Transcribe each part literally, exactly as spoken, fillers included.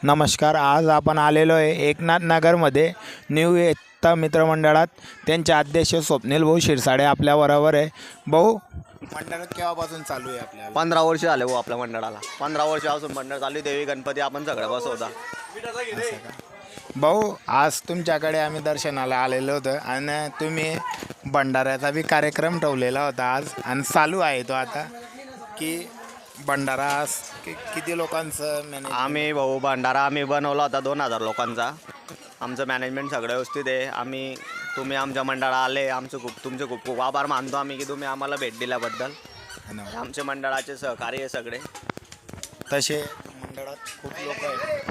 नमस्कार. आज आपण आलेलो आहे एकनाथ नगरमध्ये न्यू एकता मित्रमंडळात. त्यांचे अध्यक्ष स्वप्नील भाऊ शिरसाडे आपल्या बरोबर आहे. भाऊ, मंडळ केव्हापासून चालू आहे आपल्या? पंधरा वर्ष झाले भाऊ आपल्या मंडळाला. पंधरा वर्षापासून मंडळ चालू आहे. देवी गणपती आपण सगळं बसवता. भाऊ, आज तुमच्याकडे आम्ही दर्शनाला आलेलो होतो आणि तुम्ही भंडाऱ्याचा बी कार्यक्रम ठेवलेला होता आज, आणि चालू आहे तो आता. की भंडारा आज कि किती लोकांचं मॅनेज? आम्ही भाऊ भंडारा आम्ही बनवला होता दोन हजार लोकांचा. आमचं मॅनेजमेंट सगळं व्यवस्थित आहे. आम्ही तुम्ही आमच्या मंडळाला आले, आमचं खूप तुमचे खूप खूप आभार मानतो आम्ही की तुम्ही आम्हाला भेट दिल्याबद्दल. आमचे मंडळाचे सहकार्य आहे सगळे. तसे मंडळात खूप लोक आहेत.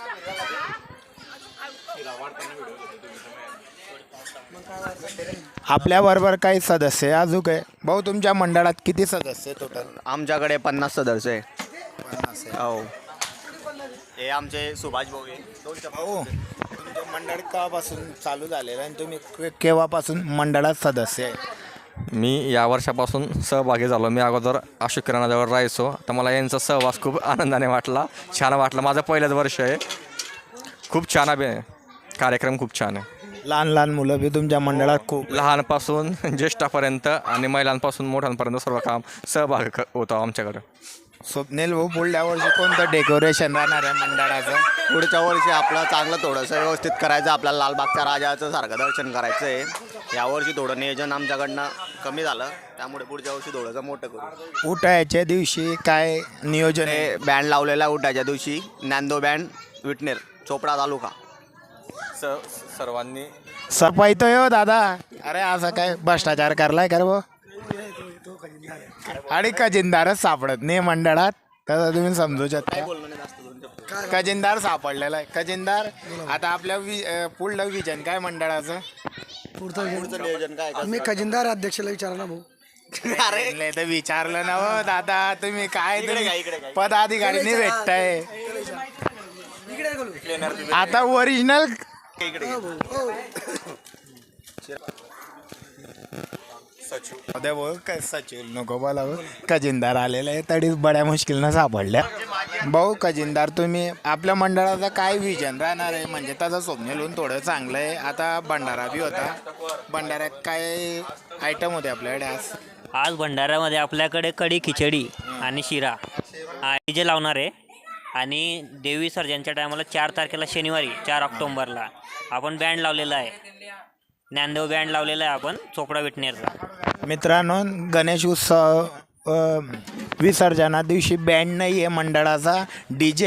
आपल्याबरोबर काही सदस्य आहे अजून काय? भाऊ, तुमच्या मंडळात किती सदस्य टोटल? आमच्याकडे पन्नास सदस्य आहे. पन्नास आहे. हो, हे आमचे सुभाष भाऊ आहे. दोन भाऊ, तुमचं मंडळ केव्हापासून चालू झालेलं आणि तुम्ही के- केव्हापासून मंडळात सदस्य आहे? मी या वर्षापासून सहभागी झालो. मी अगोदर अशोक किराणाजवळ राहायचो. तर मला यांचा सहवास खूप आनंदाने वाटला, छान वाटलं. माझं पहिलंच वर्ष आहे. खूप छान आहे, कार्यक्रम खूप छान आहे. लहान लहान मुलं बी तुमच्या मंडळात खूप? लहानपासून ज्येष्ठापर्यंत आणि महिलांपासून मोठ्यांपर्यंत सर्व काम सहभाग क- होतो आमच्याकडं. स्वप्नील भाऊ, पुढल्या वर्षी कोणतं डेकोरेशन राहणार आहे मंडळाचं? पुढच्या वर्षी आपलं चांगलं थोडंसं व्यवस्थित करायचं. आपल्याला लालबागच्या राजाचं सारखं दर्शन करायचं आहे. यावर्षी थोडं नियोजन आमच्याकडनं कमी झालं, त्यामुळे पुढच्या वर्षी थोडंसं मोठं करू. उठायच्या दिवशी काय नियोजन आहे? हे बँड लावलेला उठायच्या दिवशी ज्ञानदेव बँड विटनेर चोपडा तालुका. स सर्वांनी सफाई तो हो दादा. अरे असं काय भ्रष्टाचार करलाय कर भाऊ? आणि खजिनदारच सापडत नाही मंडळात, तसं तुम्ही समजू शकता. खजिनदार सापडलेला आहे. खजिनदार आता आपल्या वि अं, पुढलं विजन काय मंडळाचं? पुढचं नियोजन काय मी खजिनदार अध्यक्षाला विचारला भाऊ. अरे तर विचारलं ना हो दादा, तुम्ही काय इकडे तुम्ही काय, इकडे काय? पदाधिकारीने भेटताय इकडे बोलू. आता ओरिजिनल. अरे भाऊ, काय सचिव नको बोला भाऊ. खजिनदार आलेला आहे तरी बड्या मुश्किलनं सापडल्या. भाऊ खजिनदार, तुम्ही आपल्या मंडळाचं काय विजन राहणार आहे? म्हणजे त्याचं स्वप्नील होऊन थोडं चांगलं आहे. आता भंडारा बी होता. भंडाऱ्यात काय आयटम होते आपल्याकडे आज? आज भंडाऱ्यामध्ये आपल्याकडे कढी खिचडी आणि शिरा डी जे लावणार आहे. आणि देवी सर्जनच्या टायमाला चार तारखेला शनिवारी चार ऑक्टोंबरला आपण बँड लावलेला आहे. ज्ञानदेव बँड लावलेला आहे आपण चोपडा विटनेरचा. मित्रांनो, गणेश उत्सव अ, विसर्जना दिवशी बँड नाही आहे मंडळाचा, डी जे